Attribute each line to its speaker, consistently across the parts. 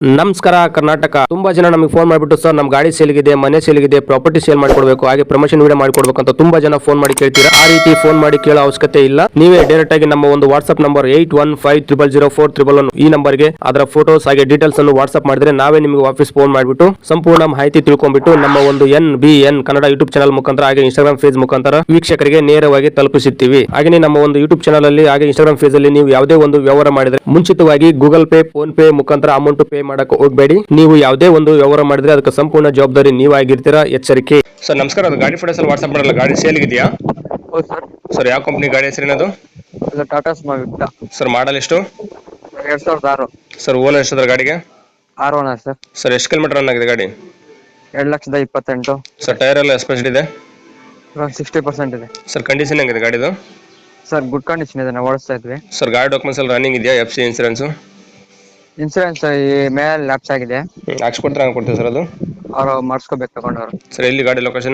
Speaker 1: ನಮಸ್ಕಾರ ಕರ್ನಾಟಕ. ತುಂಬಾ ಜನ ನಮಗೆ ಫೋನ್ ಮಾಡಿಬಿಟ್ಟು ಸರ್ ನಮ್ಮ ಗಾಡಿ ಸೇಲ್ಗಿದೆ, ಮನೆ ಸೇಲ್ಗಿದೆ, ಪ್ರಾಪರ್ಟಿ ಸೇಲ್ ಮಾಡಿಕೊಡ್ಬೇಕು, ಹಾಗೆ ಪ್ರಮೋಷನ್ ವಿಡಿಯೋ ಮಾಡಿಕೊಡ್ಬೇಕು ಅಂತ ತುಂಬಾ ಜನ ಫೋನ್ ಮಾಡಿ ಕೇಳ್ತೀರಾ. ಆ ರೀತಿ ಫೋನ್ ಮಾಡಿ ಕೇಳೋ ಅವಶ್ಯಕತೆ ಇಲ್ಲ. ನೀವೇ ಡೈರೆಕ್ಟ್ ಆಗಿ ನಮ್ಮ ಒಂದು ವಾಟ್ಸ್ಆಪ್ ನಂಬರ್ 81500411 ಈ ನಂಬರ್ಗೆ ಅದರ ಫೋಟೋಸ್ ಹಾಗೆ ಡೀಟೇಲ್ಸ್ ಅನ್ನು ವಾಟ್ಸ್ಆಪ್ ಮಾಡಿದ್ರೆ ನಾವೇ ನಿಮಗೆ ವಾಪಸ್ ಫೋನ್ ಮಾಡಿಬಿಟ್ಟು ಸಂಪೂರ್ಣ ಮಾಹಿತಿ ತಿಳ್ಕೊಂಡ್ಬಿಟ್ಟು ನಮ್ಮ ಒಂದು NBN ಕನ್ನಡ ಯೂಟ್ಯೂಬ್ ಚಾನಲ್ ಮುಖಾಂತರ ಹಾಗೆ ಇನ್ಸ್ಟಾಗ್ರಾಮ್ ಪೇಜ್ ಮುಖಾಂತರ ವೀಕ್ಷಕರಿಗೆ ನೇರವಾಗಿ ತಲುಪಿಸುತ್ತೀವಿ. ಹಾಗೆ ನಮ್ಮ ಒಂದು ಯೂಟ್ಯೂಬ್ ಚಾನಲ್ ಅಲ್ಲಿ ಹಾಗೆ ಇನ್ಸ್ಟಾಗ್ರಾಮ್ ಪೇಜ್ ಅಲ್ಲಿ ನೀವು ಯಾವುದೇ ಒಂದು ವ್ಯವಹಾರ ಮಾಡಿದ್ರೆ ಮುಂಚಿತವಾಗಿ ಗೂಗಲ್ ಪೇ, ಫೋನ್ ಪೇ ಮುಖಾಂತರ ಅಮೌಂಟ್ ಪೇ ಮಾಡಕ್ಕೆ ಹೋಗಬೇಡಿ. ನೀವು ಯಾವುದೇ ಒಂದು ವ್ಯವಹಾರ ಮಾಡಿದ್ರೆ ಅದಕ್ಕೆ ಸಂಪೂರ್ಣ ಜವಾಬ್ದಾರಿ ನೀವಾಗಿರ್ತೀರಾ, ಎಚ್ಚರಿಕೆ. ಸರ್ ನಮಸ್ಕಾರ, ಅದು ಗಾಡಿ ಫೋಟೋಸ್ ವಾಟ್ಸ್ಆಪ್ ಮಾಡಲ್ಲ, ಗಾಡಿ ಸೇಲ್ ಇದೆಯಾ?
Speaker 2: ಹೌದು ಸರ್.
Speaker 1: ಸರ್ ಯಾವ ಕಂಪನಿ ಗಾಡಿ ಹೆಸರೇನದು?
Speaker 2: ಇದು ಟಾಟಾ ಸ್ಮಾರ್ಟ್
Speaker 1: ಸರ್ ಮಾಡಲ್ ಎಷ್ಟು?
Speaker 2: 2006.
Speaker 1: ಸರ್ ಓನರ್ ಎಷ್ಟಿದ್ರೆ ಗಾಡಿಗೆ?
Speaker 2: 6 ಓನರ್ ಸರ್.
Speaker 1: ಸರ್ ಎಷ್ಟು ಕಿಲೋಮೀಟರ್ ರನ್ ಆಗಿದೆ ಗಾಡಿ?
Speaker 2: 2,28,000.
Speaker 1: ಸರ್ ಟೈರ್ ಎಲ್ಲ ಎಸ್ಪೆಷಲ್ ಇದೆ?
Speaker 2: 60% ಇದೆ.
Speaker 1: ಸರ್ ಕಂಡೀಷನ್ ಹೆಂಗಿದೆ ಗಾಡಿದು?
Speaker 2: ಸರ್ ಗುಡ್ ಕಂಡೀಷನ್ ಇದೆ, ನಾವು ಓಡಿಸ್ತಾ ಇದ್ವಿ.
Speaker 1: ಸರ್ ಗಾಡಿ ಡಾಕ್ಯುಮೆಂಟ್ಸ್ ಎಲ್ಲ ರನ್ನಿಂಗ್ ಇದೆಯಾ? FC ಇನ್ಸೂರೆನ್ಸ್
Speaker 2: ಇನ್ಸೂರೆನ್ಸ್ ಈ ಮೇಲೆ ಲ್ಯಾಪ್ಸ್ ಆಗಿದೆ.
Speaker 1: ಹಾಕ್ಸ್ಕೊಡ್ತಾರೆ, ಹಂಗೆ ಕೊಡ್ತೀವಿ ಸರ್ ಅದು?
Speaker 2: ಅವರು ಮಾಡಿಸ್ಕೋಬೇಕು ತಗೊಂಡವರು.
Speaker 1: ಸರ್ ಎಲ್ಲಿ ಗಾಡಿ location?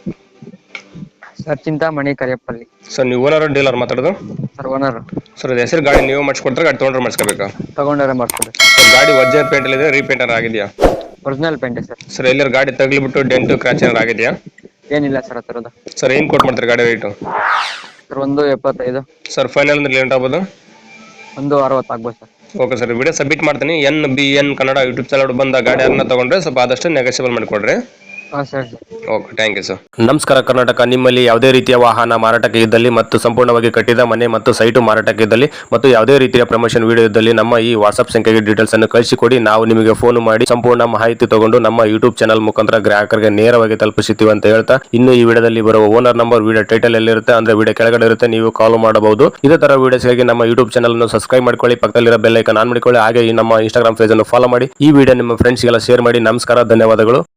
Speaker 2: Sir Chintamani, Kariyappalli.
Speaker 1: Sir ನೀವು ಓನರ್ ಡೀಲರ್ ಮಾತಾಡೋದು?
Speaker 2: Sir owner.
Speaker 1: ಸರ್ ಅದು ಹೆಸರು ಗಾಡಿ ನೀವು ಮಾಡಿಸ್ಕೊಡ್ತಾರೆ, ಗಾಡಿ ತೊಗೊಂಡ್ರೆ ಮಾಡಿಸ್ಕೋಬೇಕಾ?
Speaker 2: ತಗೊಂಡವರೇ ಮಾಡಿಸ್ಕೋಬೇಕು.
Speaker 1: ಸರ್ ಗಾಡಿ ಒರಿಜಿನಲ್ ಪೇಂಟ್ ಇದೆ, ರೀಪೇಂಟರ್ ಆಗಿದೆಯಾ?
Speaker 2: Original paint sir.
Speaker 1: ಸರ್ ಎಲ್ಲರೂ ಗಾಡಿ ತಗಲಿಬಿಟ್ಟು ಡೆಂಟು ಕ್ರಾಚ್ ಏನಾರು ಆಗಿದೆಯಾ?
Speaker 2: ಏನಿಲ್ಲ ಸರ್ ಆ ಥರದ್ದು.
Speaker 1: ಸರ್ ಏನು ಕೊಟ್ಟು ಮಾಡ್ತಾರೆ ಗಾಡಿ ರೇಟು?
Speaker 2: ಸರ್ 1,75.
Speaker 1: ಸರ್ ಫೈನಲ್ ಅಂದ್ರೆ ಲೇಟ್ ಆಗ್ಬೋದು?
Speaker 2: 1,60 ಆಗ್ಬೋದು sir.
Speaker 1: Okay sir, video submit ಮಾಡ್ತೀನಿ. NBN ಕನ್ನಡ ಯೂಟ್ಯೂಬ್ ಚಾನಲ್ ಬಂದ ಗಾಡಿಯನ್ನ ತಗೊಂಡ್ರೆ ಸ್ವಲ್ಪ ಆದಷ್ಟು ನೆಗೋಷಿಯಬಲ್ ಮಾಡಿಕೊಡ್ರಿ.
Speaker 2: ಹಾಂ sir.
Speaker 1: Okay, thank you sir. ನಮಸ್ಕಾರ ಕರ್ನಾಟಕ. ನಿಮ್ಮಲ್ಲಿ ಯಾವುದೇ ರೀತಿಯ ವಾಹನ ಮಾರಾಟಕ್ಕೆ ಇದ್ದಲ್ಲಿ ಮತ್ತು ಸಂಪೂರ್ಣವಾಗಿ ಕಟ್ಟಿದ ಮನೆ ಮತ್ತು ಸೈಟು ಮಾರಾಟಕ್ಕೆ ಇದ್ದಲ್ಲಿ ಮತ್ತು ಯಾವುದೇ ರೀತಿಯ ಪ್ರಮೋಷನ್ ವಿಡಿಯೋ ಇದ್ದಲ್ಲಿ ನಮ್ಮ ಈ ವಾಟ್ಸ್ಆಪ್ ಸಂಖ್ಯೆಗೆ ಡೀಟೇಲ್ಸ್ ಅನ್ನು ಕಳಿಸಿಕೊಡಿ. ನಾವು ನಿಮಗೆ ಫೋನ್ ಮಾಡಿ ಸಂಪೂರ್ಣ ಮಾಹಿತಿ ತಗೊಂಡು ನಮ್ಮ ಯೂಟ್ಯೂಬ್ ಚಾನಲ್ ಮುಖಾಂತರ ಗ್ರಾಹಕರಿಗೆ ನೇರವಾಗಿ ತಲುಪಿಸುತ್ತೀವಿ ಅಂತ ಹೇಳ್ತಾ, ಇನ್ನು ಈ ವಿಡಿಯೋದಲ್ಲಿ ಬರುವ ಓನರ್ ನಂಬರ್ ವಿಡಿಯೋ ಟೈಟಲ್ ಎಲ್ಲಿರುತ್ತೆ ಅಂದ್ರೆ ವಿಡಿಯೋ ಕೆಳಗಡೆ ಇರುತ್ತೆ, ನೀವು ಕಾಲ್ ಮಾಡಬಹುದು. ಇದೇ ತರ ವಿಡಿಯೋಸ್ಗಾಗಿ ನಮ್ಮ ಯೂಟ್ಯೂಬ್ ಚಾನಲ್ ಅನ್ನು ಸಬ್ಸ್ಕ್ರೈಬ್ ಮಾಡ್ಕೊಳ್ಳಿ, ಪಕ್ಕದಲ್ಲಿರೋ ಬೆಲ್ ಐಕಾನ್ ಆನ್ ಮಾಡಿಕೊಳ್ಳಿ, ಹಾಗೆ ಈ ನಮ್ಮ ಇನ್ಸ್ಟಾಗ್ರಾಮ್ ಪೇಜ್ ಅನ್ನು ಫಾಲೋ ಮಾಡಿ. ಈ ವಿಡಿಯೋ ನಿಮ್ಮ ಫ್ರೆಂಡ್ಸ್ಗೆಲ್ಲ ಶೇರ್ ಮಾಡಿ. ನಮಸ್ಕಾರ, ಧನ್ಯವಾದಗಳು.